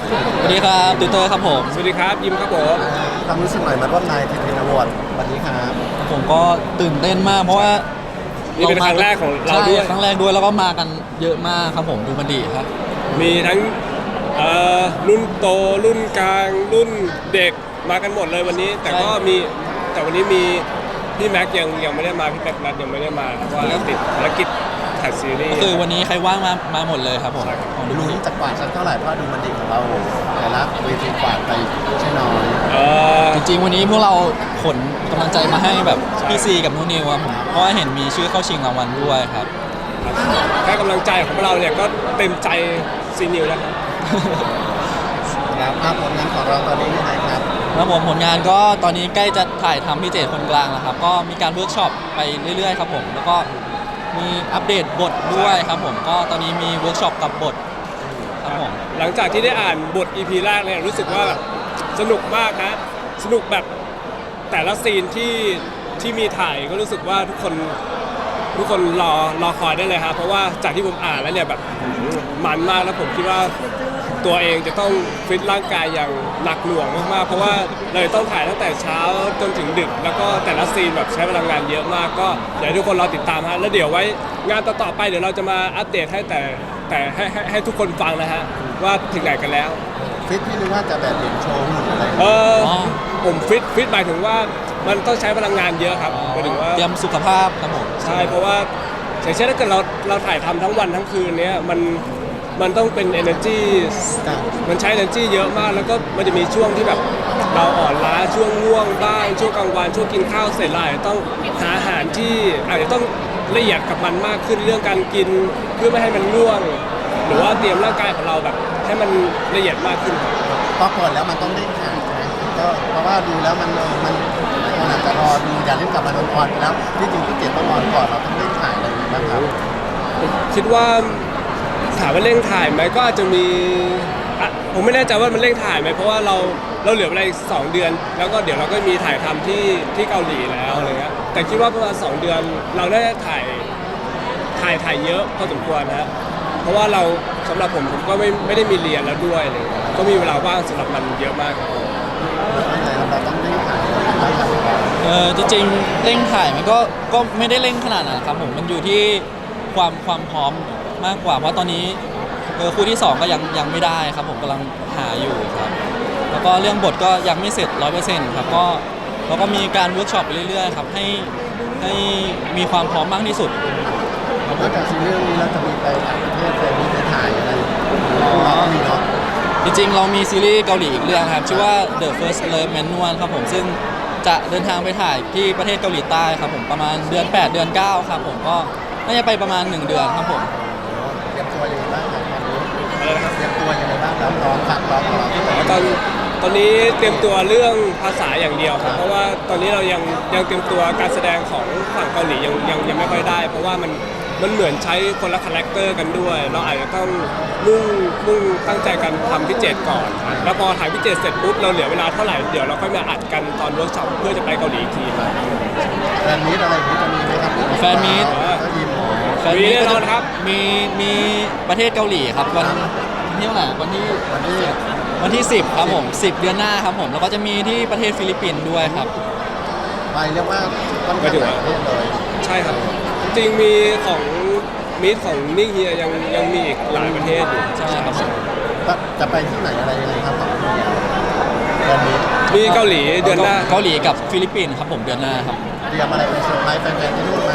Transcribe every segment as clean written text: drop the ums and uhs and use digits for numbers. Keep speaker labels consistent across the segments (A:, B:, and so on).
A: สวัสดีครับติวเตอร์ครับผม
B: สวัสดีครับยิมครับผม
C: ความรู้สึกหน่อยมาร่วมนายทีทีนอวอร์ดวันนี้ครับ
A: ผมก็ตื่นเต้นมากเพราะว่า
B: นี่เป็นครั้งแรกของเราด้วย
A: ใช่ครั้งแรกด้วยแล้วก็มากันเยอะมากครับผมดูมันดีครับ
B: มีทั้งรุ่นโตรุ่นกลางรุ่นเด็กมากันหมดเลยวันนี้ แต่ก็มีแต่วันนี้มีพี่แม็กยังไม่ได้มาพี่แม็กนัทยังไม่ได้มาเพราะว่าติดภารกิจถ่ายซีรี
A: ก็
B: ส์
A: คือวันนี้ใครว่างมาหมดเลยครับผม
B: ใช่ครับ
A: ของดู
C: ดู
A: มันดี
C: นี่จากกวาดสักเท่าไหร่เพราะดูมันดีของเราแต่ละเวทีกวาดไปไม่ใช่น้อย
B: เออ
A: จริงๆวันนี้พวกเราขนกำลังใจมาให้แบบพี่ซีกับนุนิวครับผมเพราะว่าเห็นมีชื่อเข้าชิงรางวัลด้วยครับ
B: แค่กำลังใจของเราเนี่ยก็เต็มใจซีนิวแล้วครับ
C: แล้วภาพผลงานของเราตอนนี้ยังไงครับ
A: แล้วผมผลงานก็ตอนนี้ใกล้จะถ่ายทำพี่เจตคนกลางแล้วครับก็มีการเวิร์กช็อปไปเรื่อยๆครับผมแล้วก็มีอัปเดตบทด้วยครับผมก็ตอนนี้มีเวิร์กช็อปกับบทครับผม
B: หลังจากที่ได้อ่านบท EP แรกเนี่ยรู้สึกว่าแบบสนุกมากนะสนุกแบบแต่ละซีนที่มีถ่ายก็รู้สึกว่าทุกคนรอคอยได้เลยครับเพราะว่าจากที่ผมอ่านแล้วเนี่ยแบบมันมากแล้วผมคิดว่าตัวเองจะต้องฟิตร่างกายอย่างหนักหน่วงมากๆเพราะว่าเลยต้องถ่ายตั้งแต่เช้าจนถึงดึก แล้วก็แต่ละซีนแบบใช้พลังงานเยอะมากก็อยากให้ทุกคนรอติดตามฮะแล้วเดี๋ยวไว้งานต่อๆไปเดี๋ยวเราจะมาอัปเดตให้แต่ให้ทุกคนฟังนะฮะว่าถึงไหนกันแล้ว
C: ฟิตพี่นึกว่าจะแบบเด่นโชว์หุ่นอะไร
B: ผมฟิตหมายถึงว่ามันต้องใช้พลังงานเยอะครับหมายถึงว่า
A: เตรียมสุขภาพครับผม
B: ใช่เพราะว่าอย่างเช่นถ้าเกิดเราถ่ายทำทั้งวันทั้งคืนเนี้ยมันต้องเป็น energy มันใช้ energy เยอะมากแล้วก็มันจะมีช่วงที่แบบเราอ่อนล้าช่วงง่วงบ้างช่วงกลางวันช่วงกินข้าวเสร็จแล้วอาจจะต้องหาอาหารที่อาจจะต้องละเอียดกับมันมากขึ้นเรื่องการกินเพื่อไม่ให้มันง่วง หรือว่าเตรียมร่างกายของเราแบบให้มันละเอียดมากขึ้นครับ
C: พอเปิดแล้วมันต้องเร่งถ่ายใช่ไหมก็เพราะว่าดูแล้วมันอาจจะรอดูอย่ารีบกลับมาโดนออนไปแล้วที่จริงพี่เจตต้องรอก่อนเราต้องเร่งถ่ายอะไรอย่างเงี้ยบ้างครับ
B: ผมคิดว่าถามว่าเร่งถ่ายไหมก็อาจจะมีผมไม่แน่ใจว่ามันเร่งถ่ายไหมเพราะว่าเราเหลือเวลาอีก2 เดือน แล้วก็เดี๋ยวเราก็มีถ่ายทำที่เกาหลีแล้วอะไรเงี้ยแต่คิดว่าประมาณ2 เดือนเราได้ถ่ายเยอะพอสมควรนะฮะเพราะว่าเราสำหรับผมก็ไม่ได้มีเรียนแล้วด้วยอะไรเลยก็มีเวลาว่างสำหรับมันเยอะมากครับ
C: เราต้องเร่งถ่ายอะไรอย่างเงี้ยบ้างครับ
A: จริงๆเร่งถ่ายมันก็ไม่ได้เร่งขนาดนั้นครับผมมันอยู่ที่ความพร้อมมากกว่าเพราะตอนนี้คู่ที่2ก็ยังไม่ได้ครับผมกำลังหาอยู่ครับแล้วก็เรื่องบทก็ยังไม่เสร็จ 100%ครับก็เราก็มีการเวิร์กช็อปไปเรื่อยๆครับให้มีความพร้อมมากที่สุด
C: นอกจากซีรีส์เรื่องนี้เราจะมีไปต่างประเทศไปมีไปถ่ายอะไรเราก็มีเนาะ
A: จริงๆเรามีซีรีส์เกาหลีอีกเรื่องครับชื่อว่า The First Love Manual ครับผมซึ่งจะเดินทางไปถ่ายที่ประเทศเกาหลีใต้ครับผมประมาณเดือน 8 เดือน 9 ครับผมก็น่าจะไปประมาณ1 เดือนครับผม
C: เตรียมตัวยังไงบ้างครับตอนนี้
B: อะไรนะครับ
C: เตรียมตัวยังไงบ้างครับร้องขัดร้องของเราที่ไหน
B: ตอนนี้เตรียมตัวเรื่องภาษาอย่างเดียวครับเพราะว่าตอนนี้เรายังเตรียมตัวการแสดงของฝั่งเกาหลียังไม่ค่อยได้ เพราะว่ามันเหมือนใช้คนละคาแรคเตอร์กันด้วย เราอาจจะต้องมุ่งตั้งใจกันทำพิเจตก่อน แล้วพอถ่ายพิเจตเสร็จปุ๊บเราเหลือเวลาเท่าไหร่เดี๋ยวเราค่อยมาอัดกันตอนเวิร์กช็อปเพื่อจะไปเกาหลีอีกทีครับ
C: แฟนมีตอะไรอย่างนี้จะมีไหมครับ
A: แฟนมีต
C: ก็ยิม
A: แฟนมีต
B: แน่นอนครับ
A: มีประเทศเกาหลีครับวันที่เท่าไหร่วันที่
C: วันที่
A: 10ครับผม10 เดือนหน้าครับผมแล้วก็จะมีที่ประเทศฟิลิปปินส์ด้วยครับ
C: ไปเรียกว่าค่อนข้างหลายประเทศเลย
B: ใช่ครับ จริงๆมีของมิตของนิ่งเฮียยังมีอีกหลายประเทศอยู่
A: ใช่ครับผม
C: จะไปที่ไหนอะไรยังไงครับของแฟนมีต
B: มีเกาหลีเดือนหน้า
A: เกาหลีกับฟิลิปปินส์ครับผมเดือนหน้าครับ
C: เตรียมอะไรเป็นเซอร์ไพรส์แฟนๆที่นู่นไหม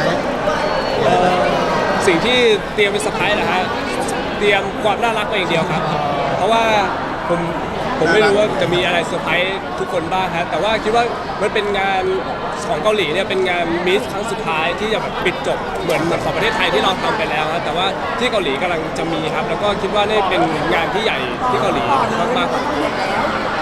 B: สิ่งที่เตรียมเป็นเซอร์ไพรส์นะฮะเตรียมความน่ารักไปอย่างเดียวครับ เพราะว่าผมไม่รู้ว่าจะมีอะไรเซอร์ไพรส์ทุกคนบ้างฮะแต่ว่าคิดว่ามันเป็นงานของเกาหลีเนี่ยเป็นงานมิสครั้งสุดท้ายที่จะแบบปิดจบเหมือนของประเทศไทยที่เราทำไปแล้วฮะแต่ว่าที่เกาหลีกำลังจะมีครับ แล้วก็คิดว่านี่เป็นงานที่ใหญ่ที่เกาหลีมากๆ